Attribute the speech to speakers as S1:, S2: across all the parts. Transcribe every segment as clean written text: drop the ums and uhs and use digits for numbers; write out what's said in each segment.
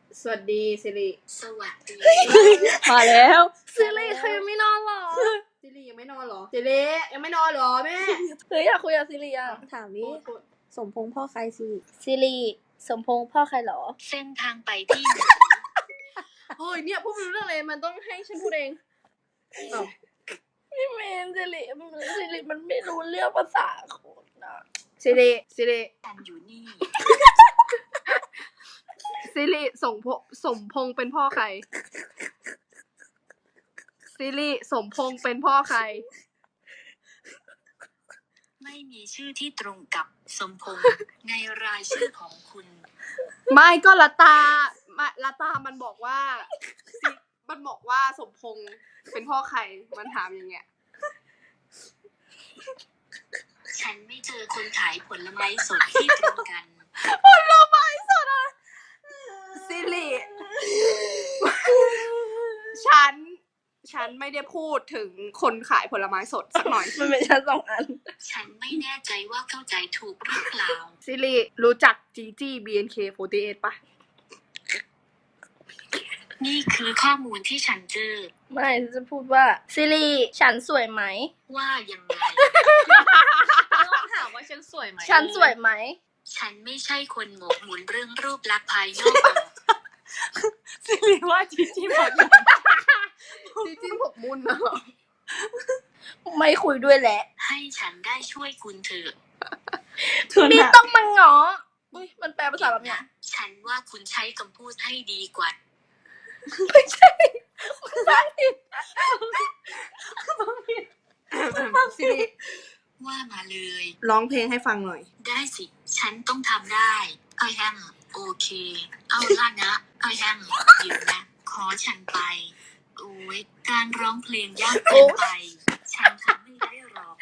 S1: สวัสดีสิริ
S2: สวัสดี
S3: มาแล้ว
S1: สิริเธอยังไม่นอนหรอสิริยังไม่นอนหรอสิริยังไม่นอนหรอแม่
S3: เฮ้ยอยากคุยกับซิริอ่ะ
S1: ถามวิ
S3: สมพงษ์พ่อใครซิริสมพงษ์พ่อใครหรอ
S2: เส้นทางไปที่ไหน
S1: เฮ้ยเนี่ยพูดไม่รู้เรื่องเลยมันต้องให้ฉันพูดเอง
S3: พี่เมนซิริมันไม่รู้เรื่องภาษาคนนะ
S1: สิริ
S2: ฉันอยู่นี่
S1: สิริสมพงษ์เป็นพ่อใครสิริสมพงษ์เป็นพ่อใคร
S2: ไม่มีชื่อที่ตรงกับสมพงษ์ในรายชื่อของคุณ
S1: ไม่ก็ละตามันบอกว่าสมพงษ์เป็นพ่อใครมันถามอย่างเงี้ย
S2: ฉันไม่เจอคนขายผลไม้สดที่ตรงกัน
S1: ผลไม้สดอ่ะสิริฉันไม่ได้พูดถึงคนขายผลไม้สดสักหน่อย
S3: มันเป็นชั้น2 อัน
S2: ฉันไม่แน่ใจว่าเข้าใจถูกหรือเปล่า
S1: สิริรู้จักจีจี้ BNK48 ปะ
S2: นี่คือข้อมูลที่ฉันเจอ
S3: ไม่จะพูดว่าซิริฉันสวยไหม
S2: ว่ายังไง
S3: ต้องถามว่าฉันสวยไหมฉันสวยไหม
S2: ฉันไม่ใช่คนหมกมุ่นเรื่องรูปลักษณ์ภายนอก
S3: ซิริว่าจีจี้หมด
S1: จีจี้หมกมุ่นเหรอ
S3: ไม่คุยด้วยแหละ
S2: ให้ฉันได้ช่วยคุณเถอะ
S3: นี่ต้องมาง้อมันแปลภาษาแบบเนี้ย
S2: ฉันว่าคุณใช้คำพูดให้ดีกว่า
S3: ไม่ใช่
S1: สิริ
S2: ว่ามาเลย
S1: ร้องเพลงให้ฟังหน่อย
S2: ได้สิฉันต้องทำได้ I am โอเคเอาล่ะนะ I am เดี๋ยวนะขอฉันไปโอ้ยการร้องเพลงยากเกินไปฉันทำไม่ได้หรอก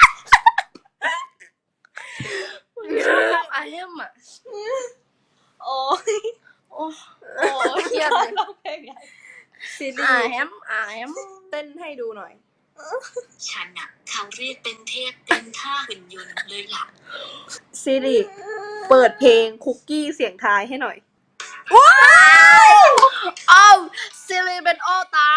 S3: I am อ่ะโอ้เครียดเลยร้องเพลง
S1: สิริ
S3: I am
S1: เต้นให้ดูหน่อย
S2: ฉันน่ะเขาเรียกเป็นเทพเป็นท่าหุ่นยนต์เลยล่ะ
S1: สิริเปิดเพลงคุกกี้เสียงทายให้หน่อยว้าวสิริเป็นโอตา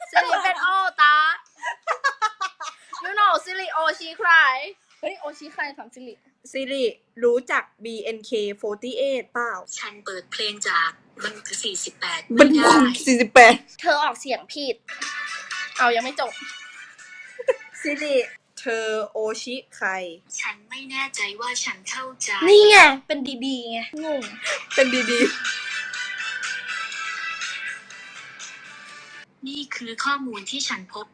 S1: you know สิริโอชิใคร
S3: เฮ้ยโอชิใครถาม
S1: สิริรู้จัก BNK48 เปล่า
S2: ฉันเปิดเพลงจากมันคือ48
S1: มัน48
S3: เธอออกเสียงผิดเอายังไม่จบ
S1: สิริเธอโอชิใคร
S2: ฉันไม่แน่ใจว่าฉันเข้าใจ
S3: นี่ไงเป็นดีๆไงงง
S1: เป็นดี
S2: นี่คือข้อมูลที่ฉันพบ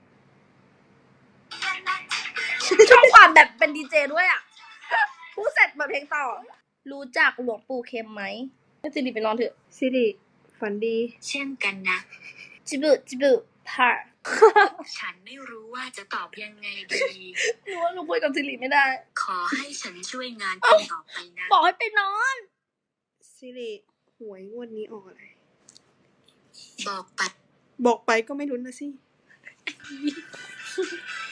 S3: ชอบความแบบเป็นดีเจด้วยอ่ะพูดเสร็จแบบเพลงต่อรู้จักหลวงปู่เข็มไหมให้สิริไปนอนเถอะ
S1: สิริฝันดี
S2: เช่นกันนะ
S3: จิบุพา
S2: ฉันไม่รู้ว่าจะตอบยังไงดี
S3: รู้ว่าหนูคุยกับสิริไม่ได้
S2: ขอให้ฉันช่วยงานคุณต่อไปนะ
S3: บอกให้ไปนอน
S1: สิริหวยงวดนี้ออกอะไร
S2: บอกไป
S1: ก็ไม่รู้นะสิ